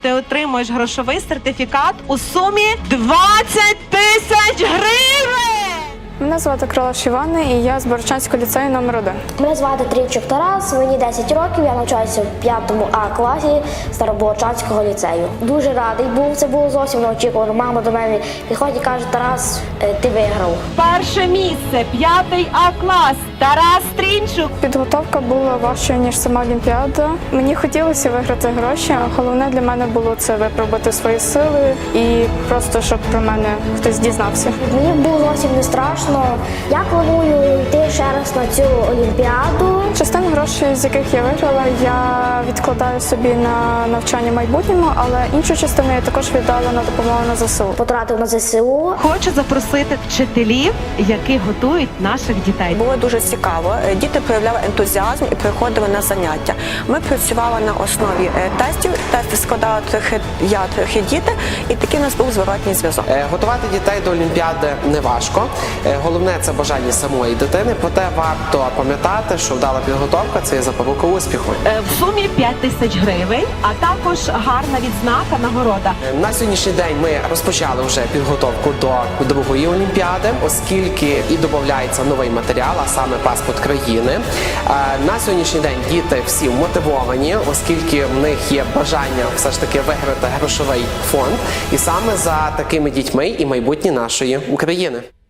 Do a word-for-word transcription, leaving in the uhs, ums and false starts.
Ти отримуєш грошовий сертифікат у сумі двадцять тисяч гривень! Мене звати Крилаш Іванна, і я з Богородчанського ліцею номер один. Мене звати Трійчук Тарас, мені десять років, я навчаюся в п'ятому А класі Старобогородчанського ліцею. Дуже радий був, це було зовсім неочікувано. Мама до мене підходить і каже: Тарас, ти виграв. Перше місце, п'ятий А клас, Тарас Трінчук. Підготовка була важчою, ніж сама Олімпіада. Мені хотілося виграти гроші, а головне для мене було це випробувати свої сили і просто, щоб про мене хтось дізнався. Мені було зовсім не страшно. Я планую йти ще раз на цю Олімпіаду. Частину грошей, з яких я виграла, я відкладаю собі на навчання в майбутньому, але іншу частину я також віддала на допомогу на ЗСУ. Потратив на ЗСУ. Хочу запросити вчителів, які готують наших дітей. Було дуже цікаво. Діти проявляли ентузіазм і приходили на заняття. Ми працювали на основі тестів. Тести складали трохи я, трохи діти, і такий у нас був зворотній зв'язок. Готувати дітей до Олімпіади не важко. Головне – це бажання самої дитини. Проте варто пам'ятати, що вдала підготовка – це є запорука успіху. В сумі п'ять тисяч гривень, а також гарна відзнака, нагорода. На сьогоднішній день ми розпочали вже підготовку до другої Олімпіади, оскільки і додається новий матеріал, а саме паспорт країни. На сьогоднішній день діти всі мотивовані, оскільки в них є бажання все ж таки виграти грошовий фонд. І саме за такими дітьми і майбутнє нашої України.